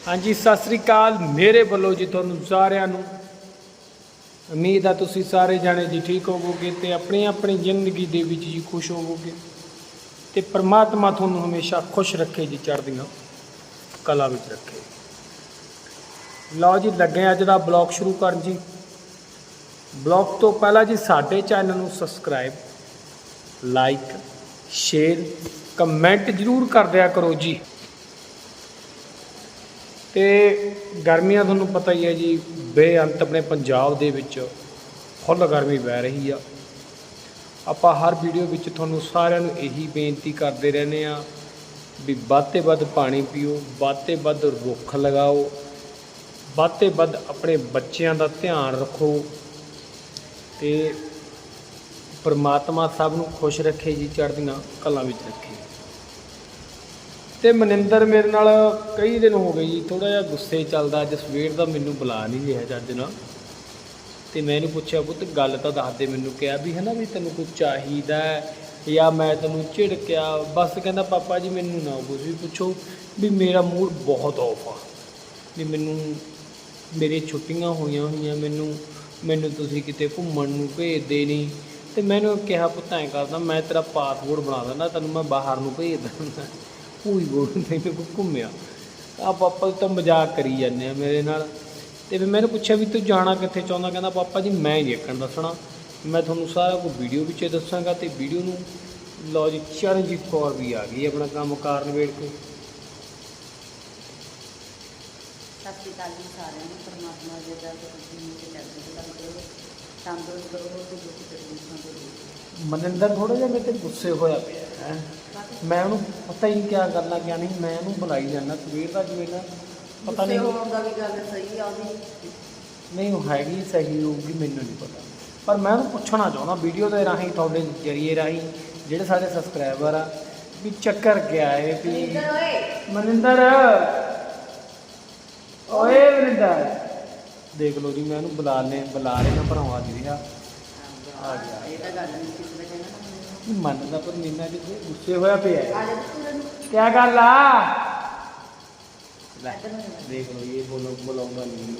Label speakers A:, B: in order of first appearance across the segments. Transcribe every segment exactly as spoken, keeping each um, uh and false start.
A: हाँ जी सत श्री अकाल मेरे वालों जी तुहानू सारिਆਂ ਨੂੰ उम्मीद है तुसी सारे जाने जी ठीक होवोगे तो अपनी अपनी जिंदगी दे विच जी खुश होवोगे तो परमात्मा तुहानू हमेशा खुश रखे जी चढ़दियां कला विच रखे। लो जी लगे अज दा ब्लॉग शुरू कर जी। ब्लॉग तो पहला जी साडे चैनल नू सबसक्राइब लाइक शेयर कमेंट जरूर कर दिया करो जी। तो गर्मियां तुहानू पता ही है जी बेअंत अपने पंजाब दे विच फुल गर्मी पै रही आ। आपां हर वीडियो विच तुहानू सारिआं नू यही बेनती करते रहने आ भी वध ते वध पानी पीओ, वध ते वध रुख लगाओ, वध ते वध अपने बच्चों का ध्यान रखो तो परमात्मा सब नू खुश रखे जी चढ़दियां कलां विच रखे। तो मनिंदर मेरे नाल कई दिन हो गए जी थोड़ा जिहा गुस्से चलदा। अज सवेर दा मैनू बुला नहीं रहा जज ना तो मैं इहनूं पुछया पुत्त गल तां दस दे मैनू कहा भी है ना भी तैनूं कुछ चाहीदा या मैं तैनूं झिड़किया। बस कहंदा पापा जी मैनू ना कुछ भी पुछो भी मेरा मूड बहुत ऑफ आ भी मैनू मेरी छुट्टियां होईयां होईयां मैनू मैनू तुसीं किते घुम्मण नूं भेजदे नहीं। तो मैनूं कहा पुत्त ऐं करदा मैं तेरा पासपोर्ट बना दिंदा तैनूं मैं बाहर नूं भेज दिंदा भूई बोल तेन को घूमिया आ पापा तो मजाक करी जाने मेरे नाल। तो फिर मैंने पूछा भी तू जाना कित्थे चाहुंदा कहंदा पापा जी मैं नहीं अक्कण दसना मैं तुहानूं सारा कुछ वीडियो विच दसांगा। तो वीडियो नूं लो जी चरणजीत कौर भी आ गई अपना काम कार नवेड़ के।
B: सत श्री अकाल जी सारिआं नूं परमात्मा जी दा तंदुरुस्त करो ते दुख तकलीफां तो
A: मनिंदर थोड़ा जिहा मेरे ते गुस्से होया पिया है। मैं उन्होंने पता ही नहीं क्या करना क्या नहीं मैं उन्होंने बुलाई जाना सवेर का जिवें ना पता नहीं
B: भी गल सही आ
A: नहीं वो हैगी सही होगी मैनूं नहीं पता पर मैं उन्होंने पूछना चाहता वीडियो के राही तुहाडे जरिए राही जिहड़े सारे सबसक्राइबर आ भी चक्कर क्या है भी मनिंदर ओए मनिंदर देख लो जी मैं उन्होंने बुला ले बुला लेना पर आवाज नहीं रहा आ गया मनदा पर मीना जी गुस्से होया पिया क्या गल आ देख लो ये बोलो बुलाऊंगा नहीं।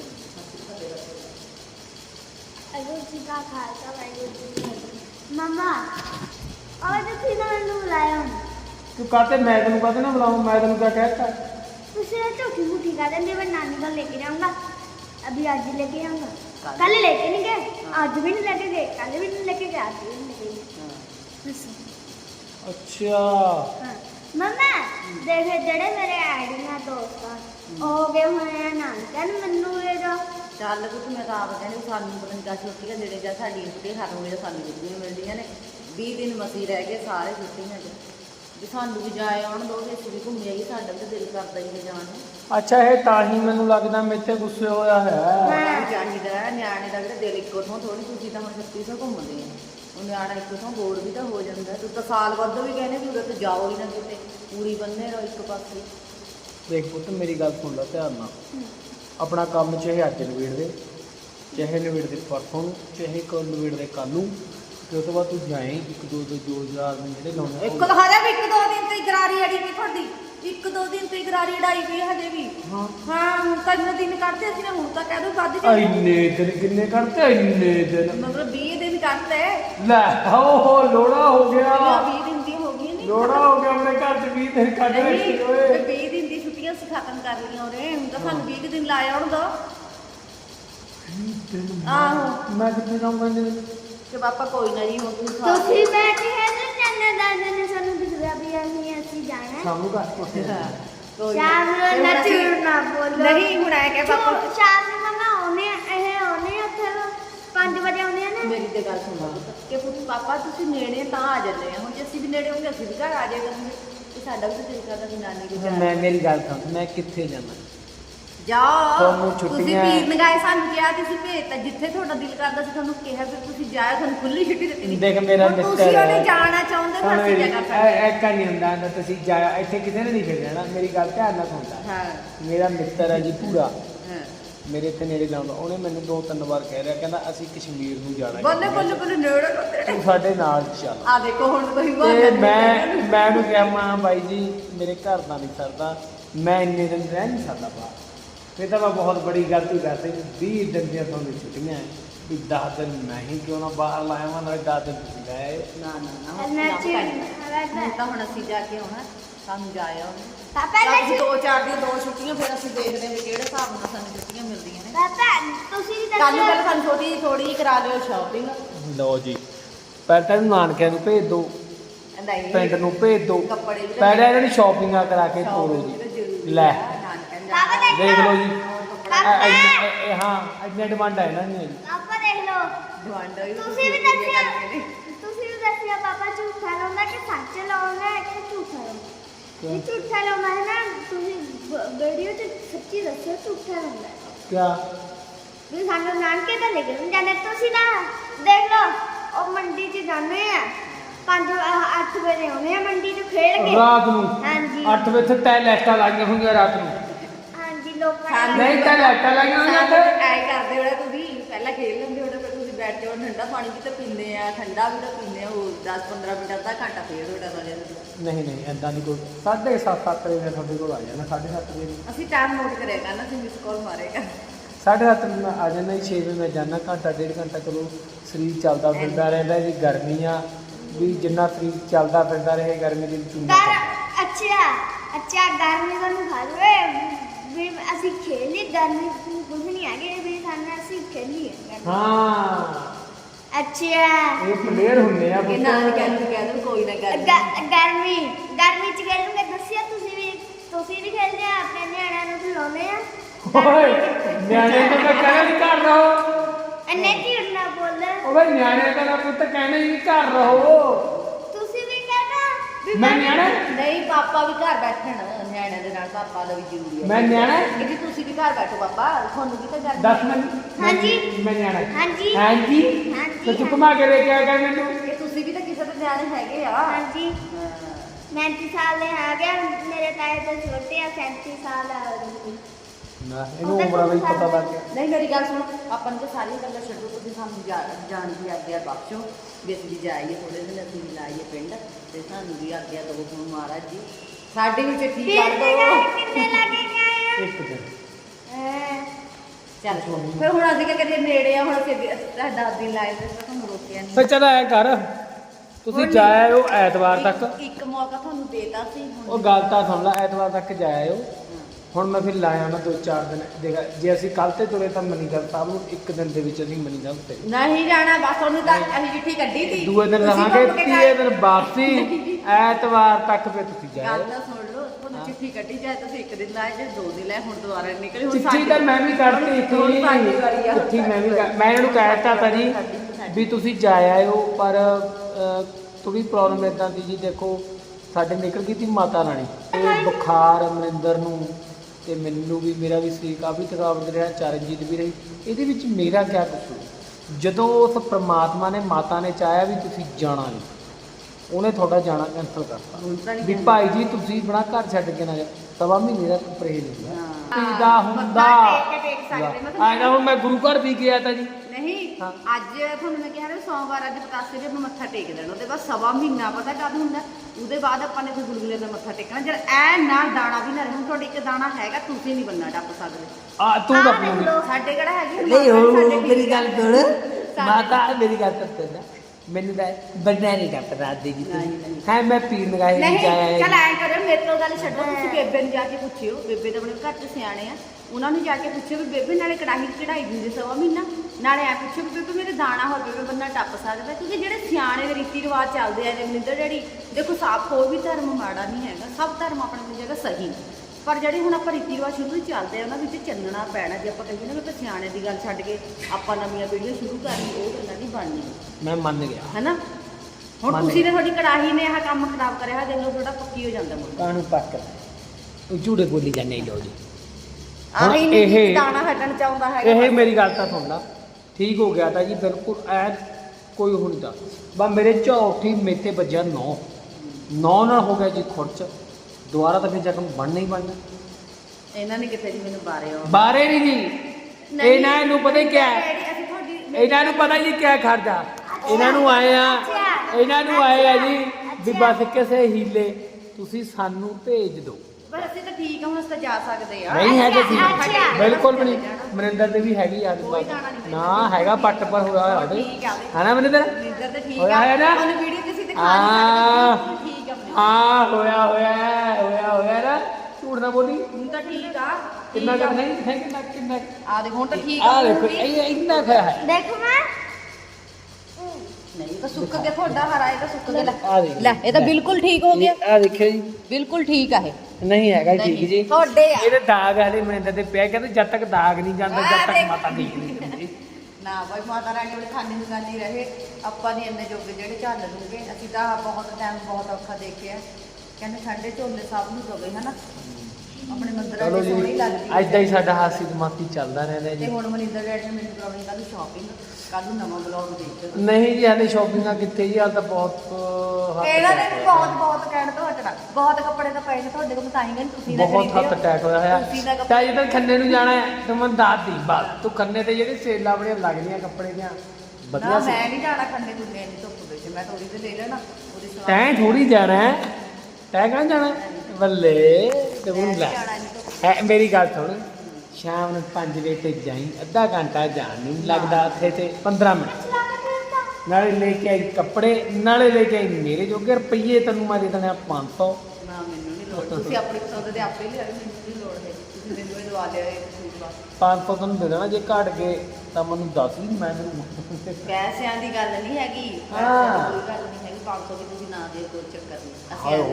C: मामा और तो थी ना मैंने बुलाया
A: तू कहते मैं तेन कहते ना बुलाऊं मैं तेन क्या कहता
C: तुझे झूठी मूठी कह देंगे मैं नानी का लेके जाऊंगा अभी आज ही लेके जाऊंगा कल लेके नहीं गए आज भी नहीं लेके गए कल भी नहीं लेके गए आज भी नहीं लेके गए।
A: अच्छा
C: हाँ मम्मा देखे जेड़े मेरे आईडी ना दोस्त हो गए हुए हैं ना कहन मन्नू ले जाओ
B: ਚੱਲ ਕੁਝ ਮੈਂ ਤਾਂ ਆਪ ਕਹਿੰਦੀ ਸਾਨੂੰ ਪਤਾ ਨਹੀਂ ਕਾ ਛੁੱਟੀਆਂ ਜਿਹੜੇ ਜਾਂ ਸਾਡੀਆਂ ਛੁੱਟੀਆਂ ਖਤਮ ਹੋ ਜਾਂ ਸਾਨੂੰ ਛੁੱਟੀਆਂ ਮਿਲਦੀਆਂ ਨੇ ਵੀਹ ਦਿਨ ਮਸੀ ਰਹਿ ਗਏ ਸਾਰੇ ਛੁੱਟੀਆਂ 'ਚ ਵੀ ਸਾਨੂੰ ਵੀ ਜਾਏ ਆਉਣ ਦੋ ਤੇ ਅਸੀਂ ਵੀ ਘੁੰਮ ਆਈਏ ਸਾਡਾ ਵੀ ਦਿਲ ਕਰਦਾ ਹੀ ਜਾਣ ਨੂੰ।
A: ਅੱਛਾ ਇਹ ਤਾਂ ਹੀ ਮੈਨੂੰ ਲੱਗਦਾ ਮੇਰੇ ਤੇ ਗੁੱਸੇ ਹੋਇਆ ਹੈ
B: ਚਾਹੀਦਾ ਨਿਆਣੇ ਦਾ ਵੀ ਦਿਲ ਇੱਕੋ ਥਾਂ ਥੋੜੀ ਤੁਸੀਂ ਤਾਂ ਹੁਣ ਛੱਤੀ ਸੌ ਘੁੰਮਦੇ ਆ ਉਹ ਨਿਆਣਾ ਇੱਕੋ ਥਾਂ ਬੋਰ ਵੀ ਤਾਂ ਹੋ ਜਾਂਦਾ। ਤੂੰ ਤਾਂ ਸਾਲ ਵੱਧ ਵੀ ਕਹਿੰਦੇ ਵੀ ਉਦੋਂ ਤੇ ਜਾਓ ਹੀ ਨਾ ਕਿਤੇ ਪੂਰੀ ਬੰਨੇ ਰਹੋ ਇੱਕ ਪਾਸੇ।
A: ਦੇਖ ਪੁੱਤ ਮੇਰੀ ਗੱਲ ਸੁਣ ਲੈ ਧਿਆਨ ਨਾਲ अपना काम चाहे अज नवेड़ दे चाहे नवेड़ दे परसों चाहे कल नवेड़ दे कल नूं ते उस तो बाद तू जाए एक दो दो दो हज़ार में जेह्ड़े लाने
B: एक हजे भी एक दो दिन ते गरारी अड़ी भी थोड़ी एक दो दिन ते गरारी अड़ाई भी हजे भी हां हां कल दिन करते असि ने हुण तां कह दो वध जा
A: इन्ने दिन किन्ने करते इन्ने दिन
B: मतलब बीस दिन करते
A: ले हो हो लोड़ा हो गया
B: बीस दिन दी हो गई नहीं
A: लोड़ा हो गया अपने घर च बीस दिन कट रहे सी ओए
B: बीस दिन दी छुट्टियां सी खत्म कर लियां ओरे हुण तां सानू बीस दिन लाए आउण दो आहो
A: मैं कितने जाऊंगा
B: कि पापा कोई ना जी हो तू
C: ਤੁਸੀਂ ਬੈਠੇ ਹੈ ਨਾ ਚੰਨੇ ਦਾਦੇ ਨੇ ਸਾਨੂੰ ਦਿਖਦਾ ਵੀ ਅਸੀਂ ਅਸੀਂ ਜਾਣਾ
A: सामू का कोठे
C: ਸ਼ਾਮ ਨੂੰ ਨੱਚੂ ਨਾ ਬੋਲੋ
B: नहीं हुण आया कि पापा
C: ਸ਼ਾਮ ਨੂੰ ਮਮਾ ਆਉਣੇ ਇਹ ਆਉਣੇ ਉੱਥੇ ਪੰਜ ਵਜੇ ਆਉਂਦੇ ਆ ਨਾ
B: ਮੇਰੀ ਤੇ ਗੱਲ ਸੁਣੋ ਕਿ ਪੁੱਤ ਪਾਪਾ ਤੁਸੀਂ ਨੇੜੇ ਤਾਂ ਆ ਜਾਂਦੇ ਆ ਹੁਣ ਜੇ ਅਸੀਂ ਵੀ ਨੇੜੇ ਹੋਗੇ ਅਸੀਂ ਵੀ ਘਰ ਆ ਜਾਇਆ ਕਰਾਂਗੇ ਤੇ ਸਾਡਾ ਵੀ ਦਿਲ ਕਰਦਾ ਵੀ ਨਾਨੀ ਕੋਲ ਜਾਣਾ।
A: मैं मेरी गल सुन मैं कित्थे जाना
B: ਜਾਓ
A: ਤੁਹਾਨੂੰ
B: ਤੁਸੀਂ
A: ਛੁੱਟੀਆਂ
B: ਪੀਰ ਨਗਾਏ ਸਾਨੂੰ ਕਿਹਾ ਤੁਸੀਂ ਭੇਜਤਾ ਜਿੱਥੇ ਤੁਹਾਡਾ ਦਿਲ ਕਰਦਾ ਸੀ ਤੁਹਾਨੂੰ ਕਿਹਾ ਫਿਰ ਤੁਸੀਂ ਜਾਇਓ ਤੁਹਾਨੂੰ ਖੁੱਲੀ ਛੁੱਟੀ ਦਿੱਤੀ ਨਹੀਂ।
A: देख मेरा
B: ਹੁਣ
A: मित्र
B: ਤੁਸੀਂ ਉਹਨੇ ਜਾਣਾ ਚਾਹੁੰਦੇ ਫਿਰ ਅਸੀਂ ਜਗ੍ਹਾ ਕਰਦੇ
A: ਐਕਾ ਨਹੀਂ ਹੁੰਦਾ ਨਾ ਤੁਸੀਂ ਜਾਇਆ ਇੱਥੇ ਕਿਸੇ ਨੇ ਨਹੀਂ ਛੱਡਣਾ ਮੇਰੀ ਗੱਲ ਧਿਆਨ ਨਾਲ ਸੁਣਦਾ।
B: ਹਾਂ
A: ਮੇਰਾ ਮਿੱਤਰ ਹੈ ਜੀ ਪੂਰਾ
B: ਹਾਂ
A: ਮੇਰੇ ਇੱਥੇ ਨੇੜੇ ਲਾਉਂਦਾ ਉਹਨੇ ਮੈਨੂੰ ਦੋ ਤਿੰਨ ਵਾਰ ਕਹਿ ਰਿਹਾ ਕਹਿੰਦਾ ਅਸੀਂ ਕਸ਼ਮੀਰ ਨੂੰ ਜਾਣਾ
B: ਬੱਲੇ ਬੱਲੇ ਬੱਲੇ ਨੇੜੇ ਨੇੜੇ
A: ਤੂੰ ਸਾਡੇ ਨਾਲ ਚੱਲ।
B: ਆ ਦੇਖੋ ਹੁਣ ਤੁਸੀਂ
A: ਤੇ ਮੈਂ ਮੈਂ ਉਹਨੂੰ ਕਿਹਾ ਮਾਂ ਬਾਈ ਜੀ ਮੇਰੇ ਘਰ ਦਾ ਨਹੀਂ ਸਰਦਾ ਮੈਂ ਇੰਨੇ ਦਿਨ ਰਹਿ ਨਹੀਂ ਸਕਦਾ ਬਾਹਰ ਫਿਰ ਤਾਂ ਮੈਂ ਬਹੁਤ ਬੜੀ ਗਲਤੀ ਕਰਤੀ ਵੀਹ ਦਿਨ ਦੀਆਂ ਤੁਹਾਨੂੰ ਛੁੱਟੀਆਂ ਹੈ ਵੀ ਦਸ ਦਿਨ ਮੈਂ ਹੀ ਕਿਉਂ ਨਾ ਬਾਹਰ ਲਾਇਆ ਵਾਂ ਨਾਲੇ ਦਸ ਦਿਨ ਤੁਸੀਂ ਗਏ
B: ਨਾ ਨਾ ਨਾ
C: ਇੰਨਾ
B: ਹੁਣ
C: ਚਿਰ
B: ਹੁਣ ਤਾਂ ਹੁਣ ਅਸੀਂ ਜਾ ਕੇ ਆਉਣਾ ਸਾਨੂੰ ਜਾਇਆ ਉਹਨੇ
C: ਪਾਪਾ ਇੰਨਾ ਚਿਰ
B: ਦੋ ਚਾਰ ਦੀਆਂ ਦੋ ਛੁੱਟੀਆਂ ਫਿਰ ਅਸੀਂ ਦੇਖਦੇ ਹਾਂ ਵੀ ਕਿਹੜੇ ਹਿਸਾਬ ਨਾਲ ਸਾਨੂੰ ਛੁੱਟੀਆਂ ਮਿਲਦੀਆਂ ਨੇ
C: ਪਾਪਾ ਤੁਸੀਂ ਵੀ
B: ਕੱਲ ਨੂੰ
C: ਦੱਸਿਓ
B: ਪਹਿਲਾਂ ਸਾਨੂੰ ਛੋਟੀ ਥੋੜੀ ਜਿਹੀ ਕਰਾ ਦਿਓ ਸ਼ਾਪਿੰਗ
A: ਲਓ ਜੀ ਪਹਿਲਾਂ ਤਾਂ ਇਹਨੂੰ ਨਾਨਕਿਆਂ ਨੂੰ ਭੇਜ ਦਿਓ
B: ਨਹੀਂ
A: ਪਿੰਡ ਨੂੰ ਭੇਜ ਦਿਓ
B: ਕੱਪੜੇ ਵੀ ਤਾਂ
A: ਪਹਿਲਾਂ ਇਹਨਾਂ ਦੀ ਸ਼ਾਪਿੰਗਾਂ ਕਰਾ ਕੇ ਤੋਰੋ
B: shopping ਵੀ ਤਾਂ
A: ਜੀ
B: ਜ਼ਰੂਰੀ
A: ਲੈ
B: ਆ, ਨਾਨਕਿਆਂ ਨੂੰ
C: ਪਾਪਾ
B: ਜਾਣਾ।
A: ਦੇਖ ਲਓ ਜੀ
C: ਪਾਪਾ
A: ਇਹ- ਇਹ- ਇਹ- ਇਹ- ਹਾਂ ਇੰਨੀਆਂ ਡਿਮਾਂਡਾਂ ਇਹਨਾਂ ਦੀਆਂ ਜੀ
C: ਪਾਪਾ ਦੇਖ ਲਓ
B: ਡਿਮਾਂਡਾਂ ਵੀ
C: ਤੁਸੀਂ ਵੀ
B: ਪੂਰੀਆਂ
C: ਦੱਸਿਆ
B: ਕਰਕੇ ਨੇ।
C: ਤੁਸੀਂ ਵੀ ਦੱਸਿਆ ਪਾਪਾ ਝੂਠਾ ਲਾਉਂਦਾ ਕਿ ਸੱਚ ਲਾਉਂਦਾ ਹੈ ਕਿ ਝੂਠਾ ਲਾਉਂਦਾ
A: ਕਿਉਂ?
C: ਇਹ ਝੂਠਾ ਲਾਉਂਦਾ ਹੈ ਨਾ ਤੁਸੀਂ ਵੀਡੀਓ 'ਚ ਸੱਚੀ ਦੱਸਿਓ ਝੂਠਾ ਲਾਉਂਦਾ ਹੈ
A: ਕਿਆ
C: ਵੀ ਸਾਨੂੰ ਨਾਨਕੇ ਤਾਂ ਲੈ ਕੇ ਨਹੀਂ ਜਾਂਦੇ ਤੁਸੀਂ ਨਾ ਦੇਖ ਲਓ ਉਹ ਮੰਡੀ 'ਚ ਜਾਂਦੇ ਆ ਪੰਜ ਅੱਠ ਵਜੇ ਆਉਂਦੇ ਆ ਮੰਡੀ 'ਚ ਖੇਡ ਕੇ
A: ਰਾਤ ਨੂੰ
C: ਹਾਂਜੀ
A: ਅੱਠ ਵਜੇ ਤੱਕ ਟੈ ਲਾਈਟਾਂ ਲਾਈਆਂ ਹੋਈਆਂ ਰਾਤ ਨੂੰ
C: ਹਾਂਜੀ ਲੋਕਾਂ
B: ਸਾਨੂੰ-
C: ਨੇ
A: ਨਹੀਂ ਤਾਂ ਲਾਈਟਾਂ ਲਾਈਆਂ ਹੋਈਆਂ
B: ਸਾਨੂੰ
A: ਤੇ
B: ਐ ਕਰਦੇ ਹੋੜੇ ਤੁਸੀਂ ਪਹਿਲਾਂ ਖੇਡ ਲੈਂਦੇ ਹੋੜੇ ਫਿਰ ਤੁਸੀਂ ਬੈਠ ਜਾਓ ਠੰਡਾ ਪਾਣੀ ਵੀ ਤਾਂ ਪੀਂਦੇ ਆ ਠੰਡਾ ਵੀ ਤਾਂ ਪੀਂਦੇ ਆ ਉਹ ਦਸ ਪੰਦਰਾਂ ਮਿੰਟ ਅੱਧਾ ਘੰਟਾ ਫੇਰ ਤੁਹਾਡਾ ਹੋ ਜਾਂਦਾ
A: ਨਹੀਂ ਨਹੀਂ ਐਦਾਂ ਦੀ ਕੋਈ ਸਾਢੇ ਸੱਤ ਸੱਤ ਵਜੇ ਮੈਂ ਤੁਹਾਡੇ ਕੋਲ ਆ ਜਾਣਾ ਸਾਢੇ ਸੱਤ ਵਜੇ
B: ਅਸੀਂ ਟਾਈਮ ਨੋਟ ਕਰਿਆ ਕਰਨਾ ਅਸੀਂ ਮਿਸ ਕਾਲ ਮਾਰੇਗਾ
A: ਸਾਢੇ ਸੱਤ ਵਜੇ ਮੈਂ ਆ ਜਾਂਦਾ ਜੀ ਛੇ ਵਜੇ ਮੈਂ ਜਾਂਦਾ ਘੰਟਾ ਡੇਢ ਘੰਟਾ ਚਲੋ ਸਰੀਰ ਚੱਲਦਾ ਫਿਰਦਾ ਰਹਿੰਦਾ ਜੀ ਗਰਮੀ ਆ ਵੀ ਜਿੰਨਾ ਸਰੀਰ ਚੱਲਦਾ ਫਿਰਦਾ ਰਹੇ ਗਰਮੀ ਦੇ ਵਿੱਚ ਉਨਾ
C: ਕਰ ਅੱਛਾ ਅੱਛਾ ਗਰਮੀ ਤੁਹਾਨੂੰ ਖਾ ਲਵੇ ਵੀ ਅਸੀਂ ਖੇਲੀ ਗਰਮੀ ਨੂੰ ਕੁਝ ਨਹੀਂ ਹੈਗੇ ਵੀ ਸਾਨੂੰ ਅਸੀਂ ਖੇਲੀ ਹੈ ਗਰਮੀ।
A: ਹਾਂ
C: ਅੱਛਾ
A: ਇਹ ਪਲੇਅਰ ਹੁੰਦੇ ਆ
B: ਕਿ ਨਾਲ ਕਹਿੰਦੇ ਕਹਿੰਦੇ ਕੋਈ ਨਾ ਕਰ
C: ਗ- ਗਰਮੀ ਗਰਮੀ ਚ ਖੇਲੂਗੇ ਦੱਸਿਆ ਤੁਸੀਂ ਵੀ ਤੁਸੀਂ ਵੀ ਖੇਲਦੇ ਆ ਆਪਣੇ ਨਿਆਣਿਆਂ ਨੂੰ ਖਿਲਾਉਂਦੇ ਆ
A: ਓਏ ਨਿਆਣੇ ਤਾਂ ਮੈਂ ਕਹਿਣਾ ਨਹੀਂ ਘਰ ਰਹੋ
C: ਇੰਨੇ ਝੂਠ ਨਾ ਬੋਲ
A: ਓਏ ਨਿਆਣੇ ਤਾਂ ਨਾ ਪੁੱਤ ਕਹਿਣਾ ਹੀ ਨਹੀਂ ਘਰ ਰਹੋ
C: ਤੁਸੀਂ ਵੀ ਕਹਿੰਦਾ ਵੀ
A: ਮੈਂ ਨਿਆਣਾ
B: ਨਹੀਂ ਪਾਪਾ ਵੀ ਘਰ ਬੈਠਣ ਨਿਆਣਿਆਂ ਦੇ ਨਾਲ ਪਾਪਾ ਦਾ ਵੀ ਜ਼ਰੂਰੀ ਹੈ
A: ਮੈਂ ਨਿਆਣਾ
B: ਕਿ ਜੀ ਤੁਸੀਂ ਵੀ ਘਰ ਬੈਠੋ ਪਾਪਾ ਤੁਹਾਨੂੰ ਵੀ ਤਾਂ ਗੱਲ
A: ਦੱਸ ਮੈਂ
C: ਹਾਂਜੀ।
A: ਮੈਂ ਨਿਆਣਾ
C: ਹਾਂਜੀ।
A: ਹਾਂਜੀ
C: ਹਾਂਜੀ।
A: ਤੇ ਤੂੰ ਘੁਮਾ ਕੇ ਲੈ ਕੇ ਆ ਗਿਆ ਮੈਨੂੰ
B: ਕਿ ਤੁਸੀਂ ਵੀ ਤਾਂ ਕਿਸੇ ਦੇ ਨਿਆਣੇ ਹੈਗੇ ਆ
C: ਹਾਂਜੀ
B: ਹਾਂ।
C: ਪੈਂਤੀ ਸਾਲ ਦੇ ਆ ਗਿਆ ਮੇਰੇ ਤਾਏ ਤੋਂ ਛੋਟੇ ਆ ਪੈਂਤੀ ਸਾਲ ਆ
A: ਨਾ ਇਹਨੂੰ ਉਮਰਾਂ ਦਾ ਹੀ ਪਤਾ ਲੱਗ ਗਿਆ
B: ਨਹੀਂ ਮੇਰੀ ਗੱਲ ਸੁਣੋ ਆਪਾਂ ਨੂੰ ਤਾਂ ਸਾਰੀਆਂ ਗੱਲਾਂ ਛੱਡੋ ਤੁਸੀਂ ਸਾਨੂੰ ਜਾ- ਜਾਣ ਦੀ ਆਗਿਆ ਬਖਸ਼ੋ ਵੀ ਅਸੀਂ ਵੀ ਜਾਈਏ ਥੋੜੇ ਦਿਨ ਅਸੀਂ ਵੀ ਲਾਈਏ ਪਿੰਡ ਤੇ ਸਾਨੂੰ ਵੀ ਆਗਿਆ ਦਿਓ ਹੁਣ ਮਹਾਰਾਜ ਜੀ ਸਾਡੇ ਵੀ ਚਿੱਠੀ ਕਰ ਦਿਓ
C: ਕਿੰਨੇ ਲੱਗੇ ਗਏ
A: ਇੱਕ ਦਿਨ
C: ਆ
B: ਚੱਲ ਫਿਰ ਹੁਣ ਅਸੀਂ ਕੀ ਕਰੀਏ ਨੇੜੇ ਆ ਹੁਣ ਅਸੀਂ ਦਸ ਦਿਨ ਲਾਏ ਤੇ ਤੁਹਾਨੂੰ ਰੋਕਿਆ ਨਹੀਂ
A: ਫਿਰ ਚਲ ਆਇਆ ਕਰ ਤੁਸੀਂ
B: ਹੁਣ
A: ਜਾਇਆ ਹੋ ਐਤਵਾਰ
B: ਇੱਕ-
A: ਤੱਕ
B: ਇੱਕ ਮੌਕਾ ਤੁਹਾਨੂੰ ਦੇਤਾ ਸੀ
A: ਉਹ
B: ਹੁਣ
A: ਗੱਲ ਤਾਂ ਸੁਣ ਲੈ ਐਤਵਾਰ ਤੱਕ ਜਾਇਆ ਹੋ
B: ਹਾਂ।
A: ਹੁਣ ਮੈਂ ਫਿਰ ਲਾਇਆ ਨਾ ਦੋ ਚਾਰ ਦਿਨ ਦੇਖ ਜੇ ਅਸੀਂ ਕੱਲ ਤੇ ਤੁਰੇ ਤਾਂ ਮਨੀਗਲ ਸਾਹਿਬ ਨੂੰ ਇੱਕ ਦਿਨ ਦੇ ਵਿੱਚ ਅਸੀਂ ਮਨੀਗਲ ਤੇ
B: ਨਹੀਂ ਜਾਣਾ ਬਸ ਉਹਨੂੰ ਤਾਂ ਅਸੀਂ ਚਿੱਠੀ ਕੱਢੀ ਸੀ
A: ਦੂਏ ਦਿਨ
B: ਤੁਸੀਂ
A: ਰਹਾਂਗੇ
B: ਘੁੰਮ ਕੇ
A: ਤੀਏ ਦਿਨ ਵਾਪਸੀ ਐਤਵਾਰ ਤੱਕ ਫਿਰ ਤੁਸੀਂ
B: ਗੱਲ
A: ਜਾਇਓ
B: ਤਾਂ ਸੁਣ ਲਓ ਤੁਹਾਨੂੰ ਚਿੱਠੀ ਕੱਢੀ ਜਾਏ ਤੁਸੀਂ ਇੱਕ ਦਿਨ ਲਾਏ ਜੇ ਦੋ ਦਿਨ ਲਾਏ ਹੁਣ ਦੁਬਾਰਾ ਨਿਕਲੇ ਹੁਣ
A: ਚਿੱਠੀ ਤਾਂ ਮੈਂ ਵੀ ਕੱਢਤੀ ਸੀ
B: ਹੁਣ ਸਾਡੀ ਵਾਰੀ ਆ
A: ਚਿੱਠੀ ਮੈਂ ਵੀ ਕੱਢ- ਮੈਂ ਇਹਨੂੰ ਕਹਿ ਦਿੱਤਾ ਤਾ ਜੀ ਵੀ ਤੁਸੀਂ ਜਾ ਆਇਓ ਪਰ ਥੋੜੀ ਪ੍ਰੋਬਲਮ ਇਦਾਂ ਦੀ ਜੀ ਦੇਖੋ ਸਾਡੇ ਨਿਕਲ ਗਈ ਸੀ ਮਾਤਾ ਰਾਣੀ ਤੇ ਬੁਖਾਰ ਅਮਰਿੰਦਰ ਨੂੰ ਤੇ ਮੈਨੂੰ ਵੀ ਮੇਰਾ ਵੀ ਸਰੀਰ ਕਾਫੀ ਥਕਾਵਟ ਰਿਹਾ ਚਰਨਜੀਤ ਵੀ ਰਹੀ ਇਹਦੇ ਵਿੱਚ ਮੇਰਾ ਕਿਆ ਕਸੂਰ ਜਦੋਂ ਉਸ ਪ੍ਰਮਾਤਮਾ ਨੇ ਮਾਤਾ ਨੇ ਚਾਹਿਆ ਵੀ ਤੁਸੀਂ ਜਾਣਾ ਨਹੀਂ ਉਹਨੇ ਤੁਹਾਡਾ ਜਾਣਾ ਕੈਂਸਲ ਕਰਤਾ
B: ਹੁਣ ਤਾਂ ਨਹੀਂ
A: ਵੀ ਭਾਈ ਜੀ ਤੁਸੀਂ ਬਣਾ ਘਰ ਛੱਡ ਕੇ ਨਾ ਜਾ ਸਵਾ ਮਹੀਨੇ ਦਾ ਪਰਹੇਜ਼ ਹੁੰਦਾ
B: ਹਾਂ।
A: ਪੀਦਾ ਹੁੰਦਾ
B: ਮੱਥਾ ਟੇਕ ਕੇ ਟੇਕ ਸਕਦੇ, ਮਤਲਬ
A: ਆਇਆ ਹੁਣ ਮੈਂ ਗੁਰੂ ਘਰ ਵੀ ਗਿਆ ਤਾਂ ਜੀ
B: ਨਹੀਂ
A: ਹਾਂ।
B: ਅੱਜ ਤੁਹਾਨੂੰ ਮੈਂ ਕਿਹਾ ਨਾ ਸੋਮਵਾਰ ਅੱਜ ਪਤਾਸੇ ਦੇ ਨੂੰ ਮੱਥਾ ਟੇਕ ਦੇਣਾ ਉਹਦੇ ਬਾਅਦ ਸਵਾ ਮਹੀਨਾ ਪਤਾ ਕਦ ਹੁੰਦਾ ਉਹਦੇ ਬਾਅਦ ਆਪਾਂ ਨੇ ਕੋਈ ਗੁਲਗੁਲੇ ਦਾ ਮੱਥਾ ਟੇਕਣਾ ਜਿਹੜਾ ਐ ਨਾ ਦਾਣਾ ਵੀ ਨਾ ਰਹੇ ਹੁਣ ਤੁਹਾਡੇ ਇੱਕ ਦਾਣਾ ਹੈਗਾ ਤੁਸੀਂ ਨਹੀਂ ਬੰਨਾ ਟੱਪ ਸਕਦੇ
A: ਆ ਤੂੰ
C: ਆਹ
A: ਦੱਸ
C: ਦੇਖ
A: ਮੈਨੂੰ
C: ਲਓ।
B: ਸਾਡੇ ਕਿਹੜਾ ਹੈਗੀ
A: ਨਹੀਂ
B: ਮਾਤਾ
A: ਉਹ
B: ਸਾਡੇ
A: ਮੇਰੀ ਗੱਲ ਸੁਣ
B: ਸਾਡੇ-
A: ਮਾਤਾ ਮੇਰੀ ਗੱਲ ਸੁਣ ਨਾ ਮੈਨੂੰ ਤਾਂ ਬੰਨਾ ਨਹੀਂ ਟੱਪ ਰਾਤ ਦੀ ਜੀ
B: ਨਹੀਂ, ਨਹੀਂ।
A: ਹੈ ਮੈਂ ਪੀਰ ਨਗਾਹੇ ਨਹੀਂ
B: ਨਹੀਂ
A: ਜਾਇਆ
B: ਚਲ ਐ ਕਰਿਓ ਮੇਰੇ ਤੋਂ ਗੱਲ ਛੱਡੋ ਤੁਸੀਂ ਬੇਬੇ ਨੂੰ ਜਾ ਕੇ ਪੁੱਛਿਓ ਬੇਬੇ ਤਾਂ ਆਪਣੇ ਘਰ 'ਚ ਸਿਆਣੇ ਆ ਉਹਨਾਂ ਨੂੰ ਜਾ ਕੇ ਪੁੱਛਿਓ ਵੀ ਬੇਬੇ ਨਾਲੇ ਕੜਾਹੀ ਚੜਾਈ ਦਿੰਦੇ ਸਵਾ ਮਹੀਨਾ ਨਾਲੇ ਐ ਪੁੱਛਿਓ ਵੀ ਬੇਬੇ ਮੇਰੇ ਦਾਣਾ ਹੋਰ ਬੇਬੇ ਬੰਨਾ ਟੱਪ ਸਕਦਾ ਕਿਉਂਕਿ ਜਿਹੜੇ ਸਿਆਣੇ ਦੇ ਰੀਤੀ ਰਿਵਾਜ ਚੱਲਦੇ ਆ ਜਮਿੰਦਰ ਜਿਹੜੀ ਦੇਖੋ ਸਭ ਕੋਈ ਵੀ ਧਰਮ ਮਾੜਾ ਨਹੀਂ ਹੈਗਾ ਸਭ ਧਰਮ ਆਪਣੇ ਆਪਣੀ ਜਗ੍ਹਾ ਸਹੀ ਨੇ ਪਰ ਜਿਹੜੇ ਹੁਣ ਆਪਾਂ ਰੀਤੀ ਰਿਵਾਜ ਸ਼ੁਰੂ ਤੋਂ ਚੱਲਦੇ ਆ ਉਹਨਾਂ ਵਿੱਚ ਚੱਲਣਾ ਪੈਣਾ ਜੇ ਆਪਾਂ ਕਹੀਏ ਨਾ ਵੀ ਆਪਾਂ ਸਿਆਣੇ ਦੀ ਗੱਲ ਛੱਡ ਕੇ ਆਪਾਂ ਨਵੀਆਂ ਪੀੜ੍ਹੀਆਂ ਸ਼ੁਰੂ ਕਰਨੀ ਉਹ ਗੱਲਾਂ ਨਹੀਂ ਬਣਨੀਆਂ
A: ਮੈਂ ਮੰਨ ਗਿਆ
B: ਹੈਨਾ ਹੁਣ
A: ਮੰਨ
B: ਤੁਸੀਂ
A: ਗਏ।
B: ਨੇ ਤੁਹਾਡੀ ਕੜਾਹੀ ਨੇ ਆਹ ਕੰਮ ਖਰਾਬ ਕਰਿਆ ਹੋਇਆ, ਦੇਖ ਲਓ ਤੁਹਾਡਾ ਪੱਕੀ ਹੋ ਜਾਂਦਾ ਮੁੰਡਾ
A: ਕਾਹਨੂੰ ਪੱਕ ਉਹ ਝੂੜੇ ਬੋਲੀ ਜਾਂਦੇ ਲੋ ਜੀ
B: ਆਹ ਹੀ ਨਹੀਂ
A: ਇਹ-
B: ਦਾਣਾ ਹਟਣ ਚਾਹੁੰਦਾ ਹੈਗਾ
A: ਇਹ ਮੇਰੀ ਗੱਲ ਤਾਂ ਸੁਣ ਲਾ ਠੀਕ ਹੋ ਗਿਆ ਤਾਂ ਜੀ ਬਿਲਕੁਲ ਐ ਕੋਈ ਹੋ ਨਹੀਂ ਦਾ ਬਾ ਮੇਰੇ ਝੋਠੀ ਮੇਤੇ ਵੱਜਿਆ ਨੌ ਨੌ ਨਾਲ ਹੋ ਗਿਆ ਜੀ ਖੁਰਚ ਦੁਬਾਰਾ ਤਾਂ ਫਿਰ ਜ਼ਖਮ ਬਣਨਾ ਹੀ ਬਣਨਾ
B: ਇਹਨਾਂ ਨੇ ਕਿਤੇ ਜੀ ਮੈਨੂੰ ਬਾਰੇ ਆਉਣ
A: ਬਾਰੇ ਨਹੀਂ ਜੀ ਇਹਨਾਂ ਨੂੰ ਪਤਾ ਕਿਆ ਹੈ
B: ਅਸੀਂ ਤੁਹਾਡੀ
A: ਇਹਨਾਂ ਨੂੰ ਪਤਾ ਜੀ ਕਿਆ ਖਰਚਾ ਇਹਨਾਂ ਨੂੰ ਆਏ ਆ ਇਹਨਾਂ ਨੂੰ ਆਏ ਆ ਜੀ ਵੀ ਬਸ ਕਿਸੇ ਹੀਲੇ ਤੁਸੀਂ ਸਾਨੂੰ ਭੇਜ ਦਿਓ
B: ਪਰ ਅਸੀਂ ਤਾਂ ਠੀਕ ਹਾਂ, ਹੁਣ ਅਸੀਂ ਤਾਂ ਜਾ ਸਕਦੇ ਆ।
A: ਨਹੀਂ ਹੈਗੇ
C: ਅੱਛਾ।
A: ਸੀ ਬਿਲਕੁਲ ਵੀ ਨਹੀਂ। ਮਨਿੰਦਰ ਦੇ ਵੀ ਹੈਗੀ ਆ
B: ਕੋਈ ਦਾਣਾ ਨਹੀਂ
A: ਨਾ ਹੈਗਾ ਪੱਟ ਪਰ ਹੋਇਆ ਹੋਇਆ ਉਹਦੇ
B: ਠੀਕ ਆ
A: ਹੈ ਨਾ ਮਨਿੰਦਰ
B: ਨਿੰਦਰ ਤੇ ਠੀਕ
A: ਹੋਇਆ
B: ਆ
A: ਹੋਇਆ ਨਾ?
B: ਉਹਨੇ ਵੀਡੀਓ ਕਿਸੇ ਦਿਖਾ
A: ਹਾਂ।
B: ਨਹੀਂ ਸਕਦੀ ਠੀਕ ਆ ਆਪਣੇ।
A: ਹਾਂ ਹੋਇਆ ਹੋਇਆ ਹੈ, ਹੋਇਆ ਹੋਇਆ ਨਾ ਝੂਠ ਨਾ ਬੋਲੀ
B: ਹੁਣ ਤਾਂ ਠੀਕ ਆ
A: ਕਿੰਨਾ ਕਰ ਨਹੀਂ ਹੈ ਕਿੰਨਾ ਕਿੰਨਾ
B: ਆ ਦੇਖ ਹੁਣ ਤਾਂ ਠੀਕ ਆ
A: ਆ ਦੇਖੋ ਇਹ ਇੰਨਾ ਖਾ ਹੈ
C: ਦੇਖੋ ਮੈਂ
B: ਨਹੀਂ ਇਹ ਤਾਂ ਸੁੱਕ ਕੇ ਤੁਹਾਡਾ ਹਰਾ ਇਹ ਤਾਂ ਸੁੱਕ ਗਿਆ
A: ਆ ਦੇਖ
B: ਲੈ ਇਹ ਤਾਂ ਬਿਲਕੁਲ ਠੀਕ ਹੋ ਗਿਆ
A: ਆ ਦੇਖਿਓ ਜੀ
B: ਬਿਲਕੁਲ ਠੀਕ ਆ ਇਹ
A: ਨਹੀਂ ਹੈਗਾ ਠੀਕ ਜੀ
B: ਤੁਹਾਡੇ ਆ
A: ਇਹਦੇ ਦਾਗ ਹਲੇ ਮਨਿੰਦਰ ਦੇ ਪਿਆ ਕਹਿੰਦੇ ਜਦ ਤੱਕ ਦਾਗ ਨਹੀਂ ਜਾਂਦਾ ਜਦ ਤੱਕ
B: ਦੇਖ।
A: ਮਾਤਾ ਠੀਕ ਨਹੀਂ ਹੁੰਦੀ
B: ਨਾ ਭਾਈ ਮਾਤਾ ਰਾਣੀ ਵਾਲੇ ਖਾਣੇ ਨੂੰ ਗੱਲ ਹੀ ਰਹੇ ਆਪਾਂ ਨਹੀਂ ਇੰਨੇ ਜੋਗੇ ਜਿਹੜੇ ਝੱਲ ਲੂਗੇ ਅਸੀਂ ਤਾਂ ਬਹੁਤ ਟਾਈਮ ਬਹੁਤ ਔਖਾ ਦੇਖਿਆ ਕਹਿੰਦੇ ਠੰਡੇ ਝੋਲੇ ਸਭ ਨੂੰ ਦਵੇ ਹਨਾ ਆਪਣੇ ਮੰਦਰਾਂ
A: ਚਲੋ
B: ਦੀ
A: ਜੀ
B: ਸੋਹਣੀ ਲੱਗਦੀ
A: ਐਦਾਂ ਹੀ ਸਾਡਾ ਹਾਸੀ ਦਿਮਾਗੀ ਚੱਲਦਾ ਰਹਿੰਦਾ
B: ਤੇ
A: ਜੀ
B: ਹੁਣ ਮਨਿੰਦਰ ਡੈਡ ਨੇ ਮੈਨੂੰ ਕਰਾਉਣੀ ਕੱਲ ਸ਼ਾਪਿੰਗ ਕੱਲ ਨੂੰ ਨਵਾਂ ਬਲੌਗ ਦੇਖਿਓ
A: ਨਹੀਂ ਜੀ ਹਲੇ ਸ਼ਾਪਿੰਗਾਂ ਕਿੱਥੇ ਜੀ ਹਾਲ ਤਾਂ ਬਹੁਤ ਹੱਥ
B: ਇਹਨਾਂ ਨੇ
A: ਟੈਕ
B: ਵੀ
A: ਹੋਇਆ।
B: ਬਹੁਤ ਬਹੁਤ ਕਹਿਣ ਤੋਂ ਹਟਣਾ ਬਹੁਤ ਕੱਪੜੇ ਤਾਂ ਪਏ ਨੇ ਤੁਹਾਡੇ ਕੋਲ ਤਾਂ ਹੀ ਗਏ ਤੁਸੀਂ ਨਾ
A: ਬਹੁਤ ਹੱਥ ਅਟੈਕ ਹੋਇਆ ਹੋਇਆ
B: ਤੁਸੀਂ ਨਾ
A: ਤਾਂ ਜਦੋਂ ਖੰਨੇ ਨੂੰ ਜਾਣਾ ਹੈ ਤੂੰ ਮੈਂ ਦੱਸ ਦੀ ਬਸ ਤੂੰ ਖੰਨੇ ਤੇ ਜਿਹੜੇ ਸੇਲਾਂ ਬੜੀਆਂ ਲੱਗਦੀਆਂ ਕੱਪੜੇ ਦੀਆਂ
B: ਨਾ
A: ਵਧੀਆ ਸੀ
B: ਮੈਂ ਨਹੀਂ ਜਾਣਾ ਖੰਡੇ ਦੁਨੀਆ ਨਹੀਂ ਧੁੱਪ ਵਿੱਚ ਮੈਂ ਥੋੜੀ ਜਿਹੀ ਲੈ ਲੈਣਾ ਉਹਦੀ ਸਵਾਦ
A: ਤੈਂ ਥੋੜੀ ਜਾਣਾ ਹੈ ਤੈਂ ਕਹਾਂ ਜਾਣਾ ਬੱਲੇ ਤੇ ਹੁਣ ਲੈ
B: ਜਾਣਾ ਨਹੀਂ ਧੁੱਪ
A: ਹੈ ਮੇਰੀ ਗੱਲ ਸੁਣ ਸ਼ਾਮ ਨੂੰ ਪੰਜ ਵਜੇ ਤੇ ਜਾਈ ਅੱਧਾ ਘੰਟਾ ਜਾਣ ਨੂੰ ਲੱਗਦਾ ਉੱਥੇ ਤੇ ਪੰਦਰਾਂ ਮਿੰਟ ਨਾਲੇ ਲੈ ਕੇ ਆਈ ਕੱਪੜੇ ਨਾਲੇ ਲੈ ਕੇ ਆਈ ਮੇਰੇ ਜੋਗੇ ਰੁਪਈਏ ਤੈਨੂੰ ਮੈਂ ਦੇ ਦੇਣਾ ਪੰਜ ਸੌ
B: ਨਾ ਮੈਨੂੰ ਨਹੀਂ ਲੋੜ ਤੁਸੀਂ ਆਪਣੀ ਪਸੰਦ ਦੇ ਆਪੇ ਲਿਆਓ ਮੈਨੂੰ ਨਹੀਂ ਲੋੜ ਹੈ ਤੁਸੀਂ ਮੈਨੂੰ ਇਹ ਦਵਾ ਲਿਆ ਇਹ ਸੂਟ ਬਸ
A: ਪੰਜ ਸੌ ਤੈਨੂੰ ਦੇ ਦੇਣਾ ਜੇ ਘਟ ਗਏ ਤਾਂ ਮੈਨੂੰ ਦੱਸ ਹੀ ਮੈਂ ਤੈਨੂੰ
B: ਪੈਸਿਆਂ ਦੀ ਗੱਲ ਨਹੀਂ ਹੈਗੀ
A: ਹਾਂ।
B: ਪੈਸਿਆਂ ਦੀ ਕੋਈ ਗੱਲ ਨਹੀਂ ਹੈਗੀ ਪੰਜ ਸੌ ਵੀ ਤੁਸੀਂ ਨਾ ਦੇ ਕੋਈ ਚੱਕਰ ਨਹੀਂ ਅਸੀਂ
A: ਹਾਏ
B: ਐਵੇਂ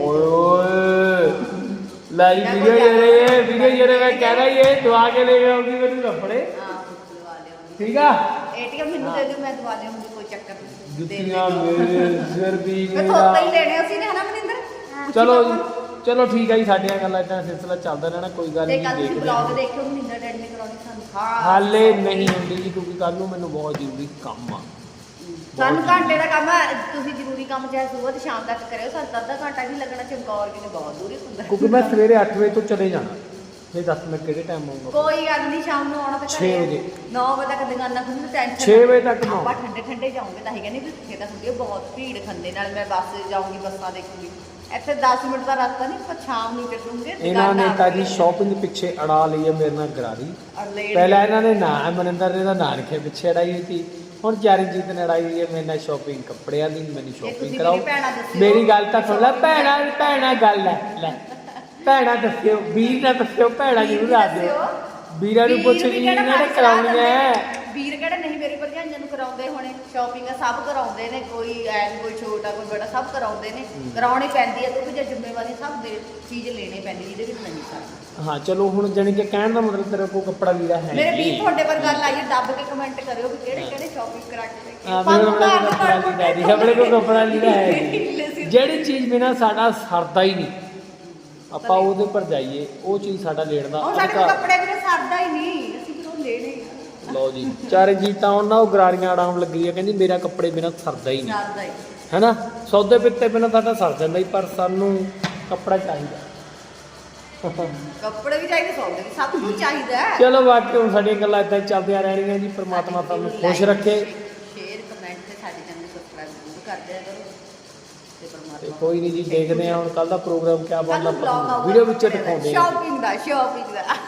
A: ਓਏ ਲੈ ਜੀ ਵੀਡੀਓ ਜਿਹੜੇ ਵੀਡੀਓ ਜਿਹੜੇ ਮੈਂ ਕਹਿ ਰਹੀ ਇਹ ਦਵਾ ਕੇ ਲੈ ਕੇ ਆਉਂਗੀ ਮੈਨੂੰ ਕੱਪੜੇ
B: ਹਾਂ ਦਵਾ ਲਿਆਉਂਗੀ
A: ਠੀਕ ਆ
B: ਏਟੀਐਮ ਮੈਨੂੰ ਦੇ ਦਿਓ ਮੈਂ ਦਵਾ ਲਿਆਉਂਗੀ ਕੋਈ ਚੱਕਰ ਨਹੀਂ ਦੇ
A: ਜੁੱਤੀਆਂ
B: ਦਿਓ।
A: ਮੇਰੇ ਸਿਰ ਵੀ
B: ਮੈਂ
A: ਮੇਰਾ
B: ਥੋੜਾ ਹੀ ਲੈਣੇ ਅਸੀਂ ਨੇ ਹਨਾ ਮਨਿੰਦਰ
A: ਚਲੋ ਜੀ ਚਲੋ ਠੀਕ ਹੈ ਜੀ ਸਾਡੀਆਂ ਗੱਲਾਂ ਇਦਾਂ ਸਿਲਸਿਲਾ ਚੱਲਦਾ ਰਹਿਣਾ ਕੋਈ ਗੱਲ
B: ਤੇ
A: ਨਹੀਂ
B: ਕੱਲ ਤੁਸੀਂ
A: ਦੇਖਦੇ
B: ਬਲੌਗ
A: ਹਾਂ।
B: ਦੇਖਿਓ ਮਨਿੰਦਰ ਡੈਡ ਨੇ ਕਰਾਉਣੀ ਸਾਨੂੰ ਹਾਂ
A: ਹਾਲੇ ਨਹੀਂ ਹੁੰਦੀ ਜੀ ਕਿਉਂਕਿ ਕੱਲ ਨੂੰ ਮੈਨੂੰ ਬਹੁਤ ਜ਼ਰੂਰੀ ਕੰਮ ਆ
B: ਸਾਨੂੰ ਘੰਟੇ ਦਾ ਕੰਮ ਆ ਤੁਸੀਂ ਜ਼ਰੂਰੀ ਕੰਮ ਚਾਹੇ ਸਵੇਰ ਤੇ ਸ਼ਾਮ ਤੱਕ ਕਰਿਓ ਸਾਨੂੰ ਤਾਂ ਅੱਧਾ ਘੰਟਾ ਨਹੀਂ ਲੱਗਣਾ ਚਮਕੌਰ ਕਿਤੇ ਬਹੁਤ ਦੂਰ ਹੀ ਹੁੰਦਾ
A: ਕਿਉਂਕਿ ਮੈਂ ਸਵੇਰੇ ਅੱਠ ਵਜੇ ਤੋਂ ਚਲੇ ਜਾਣਾ ਫਿਰ ਦੱਸ ਮੈਂ ਕਿਹੜੇ ਟਾਈਮ ਆਉਂਗਾ
B: ਕੋਈ ਗੱਲ ਨਹੀਂ ਸ਼ਾਮ ਨੂੰ ਆਉਣਾ ਤਾਂ
A: ਛੇ ਵਜੇ।
B: ਨੌ ਵਜੇ ਤੱਕ ਦੁਕਾਨਾਂ ਖੁੱਲ੍ਹਣ ਟੈਨਸ਼ਨ
A: ਛੇ ਵਜੇ ਤੱਕ ਨੌ।
B: ਆਪਾਂ ਠੰਡੇ ਠੰਡੇ ਜਾਉਂਗੇ ਤਾਂ ਹੀ ਕਹਿੰਦੇ ਵੀ ਇੱਥੇ ਤਾਂ ਹੁੰਦੀ ਆ ਬਹੁਤ ਭੀੜ ਖੰਦੇ ਨਾਲ ਮੈਂ ਬੱਸ ਜਾਊਂਗੀ ਬੱਸਾਂ ਦੇਖੂੰਗੀ ਇੱਥੇ ਦਸ ਮਿੰਟ ਦਾ ਰਸਤਾ ਨਹੀਂ ਪਰ ਸ਼ਾਮ ਨੂੰ ਚੱਲੂਗੇ
A: ਇਹਨਾਂ ਨੇ ਤਾਂ ਜੀ ਸ਼ਾਪਿੰਗ ਪਿੱਛੇ ਅੜਾ ਲਈ ਹੈ ਮੇਰੇ ਨਾਲ ਗਰਾਰੀ ਪਹਿਲਾਂ ਇਹਨਾਂ ਨੇ ਨਾ ਮਨਿੰਦਰ ਨੇ ਦਾ ਨਾਂ ਰੱਖਿਆ ਪਿੱਛੇ ਅੜਾਈ ਹੋਈ ਸੀ ਹੁਣ ਚਰਨਜੀਤ ਨੇ ਅੜਾਈ ਹੋਈ ਹੈ ਮੇਰੇ ਨਾਲ ਸ਼ਾਪਿੰਗ ਕੱਪੜਿਆਂ ਦੀ ਮੈਨੂੰ
B: ਤੁਸੀਂ
A: ਸ਼ਾਪਿੰਗ ਕਰਾਓ
B: ਮੇਰੀ ਭੈਣਾਂ ਦੱਸਿਓ।
A: ਮੇਰੀ ਗੱਲ ਤਾਂ ਸੁਣ ਲੈ ਭੈਣਾ ਭੈਣਾ ਗੱਲ ਹੈ ਲੈ ਭੈਣਾ ਦੱਸਿਓ ਵੀਰ ਨਾ ਦੱਸਿਓ ਭੈਣਾ ਜ਼ਰੂਰ ਆ ਦਿਓ ਵੀਰਾਂ ਨੂੰ ਪੁੱਛ ਵੀ ਇਹਨਾਂ ਨੇ ਕਰਾਉਣੀਆਂ
B: ਵੀਰ ਕਿਹੜੇ ਨਹੀਂ ਮੇਰੀ ਭਰਜਾਈਆਂ ਨੂੰ ਕਰਾਉਂਦੇ ਹੋਣੇ ਸ਼ਾਪਿੰਗ ਸਭ ਕਰਾਉਂਦੇ ਨੇ ਕੋਈ ਐ ਕੋਈ ਛੋਟਾ ਕੋਈ ਬੜਾ ਸਭ ਕਰਾਉਂਦੇ ਨੇ ਕਰਾਉਣੀ ਪੈਂਦੀ ਹੈ ਕਿਉਂਕਿ ਜੇ ਜ਼ਿੰਮੇਵਾਰੀ ਸਭ ਦੇ ਚੀਜ਼ ਲੈਣੀ ਪੈਂਦੀ ਜਿਹਦੇ ਵਿੱਚ ਨਹੀਂ ਸਕਦਾ
A: ਹਾਂ ਚਲੋ ਹੁਣ ਜਾਣੀ ਕਿ ਕਹਿਣ ਦਾ ਮਤਲਬ ਤੇਰੇ ਕੋਲ ਕੱਪੜਾ ਵੀਰਾ ਹੈ
B: ਮੇਰੇ
A: ਨਹੀਂ।
B: ਵੀਰ ਤੁਹਾਡੇ ਪਰ ਗੱਲ ਆਈ ਦੱਬ ਕੇ ਕਮੈਂਟ ਕਰਿਓ ਵੀ ਕਿਹੜੇ ਕਿਹੜੇ ਸ਼ਾਪਿੰਗ ਕਰਾ ਕੇ ਲੈ
A: ਹਾਂ
B: ਕੇ
A: ਮੇਰੇ ਕੋਲ ਕੱਪੜਾ ਲੀੜਾ ਨਹੀਂ ਆਪਣੇ ਕੋਲ ਕੱਪੜਾ ਲੀੜਾ ਹੈ ਨਹੀਂ। ਜਿਹੜੀ ਚੀਜ਼ ਬਿਨਾਂ ਸਾਡਾ ਸਰਦਾ ਹੀ ਨਹੀਂ ਆਪਾਂ ਉਹਦੇ ਪਰ ਜਾਈਏ ਉਹ ਚੀਜ਼ ਸਾਡਾ ਲੈਣ ਦਾ
B: ਉਹ ਸਾਡੇ ਕੋਲ
A: ਅਧਿਕਾਰ।
B: ਕੱਪੜੇ ਵੀ ਸਰਦਾ ਹੀ ਨਹੀਂ ਅਸੀਂ ਕਿਉਂ ਲੈਣੇ ਆ
A: ਲਓ ਜੀ ਚਰਨਜੀਤ ਤਾਂ ਉਹਨਾਂ ਉਹ ਗਰਾਰੀਆਂ ਆੜਾਉਣ ਲੱਗੀ ਹੈ ਕਹਿੰਦੀ ਮੇਰਾ ਕੱਪੜੇ ਬਿਨਾਂ ਸਰਦਾ ਹੀ ਨਹੀਂ
B: ਸਰਦਾ ਹੀ
A: ਹੈਨਾ ਸੌਦੇ ਪਿੱਤੇ ਬਿਨਾਂ ਸਾਡਾ ਸਰ ਜਾਂਦਾ ਹੀ ਪਰ ਸਾਨੂੰ ਕੱਪੜਾ ਚਾਹੀਦਾ
B: ਕੱਪੜੇ ਵੀ ਚਾਹੀਦੇ ਸੌਦੇ ਵੀ ਸਭ ਕੁਝ ਚਾਹੀਦਾ ਹੈ
A: ਚਲੋ ਬਾਕੀ ਹੁਣ ਸਾਡੀਆਂ ਗੱਲਾਂ ਇਦਾਂ ਚੱਲਦੀਆਂ ਰਹਿਣਗੀਆਂ ਜੀ ਪ੍ਰਮਾਤਮਾ ਤੁਹਾਨੂੰ ਖੁਸ਼ ਰੱਖੇ
B: ਸ਼ੇਅਰ ਕਮੈਂਟ ਤੇ ਸਾਡੇ ਚੈਨਲ ਨੂੰ ਸਬਸਕ੍ਰਾਈਬ ਜ਼ਰੂਰ ਕਰ ਦਿਆ ਕਰੋ ਤੇ
A: ਤੇ
B: ਪਰਮਾਤਮਾ
A: ਕੋਈ ਨਹੀਂ ਜੀ ਦੇਖਦੇ ਹਾਂ ਹੁਣ ਕੱਲ ਦਾ ਪ੍ਰੋਗਰਾਮ ਕਿਆ
B: ਕੱਲ
A: ਬਣਦਾ
B: ਨੂੰ vlog ਆਊਗਾ
A: ਵੀਡੀਓ ਵਿੱਚ ਦਿਖਾਉਂਦੇ ਹਾਂ
B: ਸ਼ਾਪਿੰਗ ਦਾ ਸ਼ਾਪਿੰਗ ਦਾ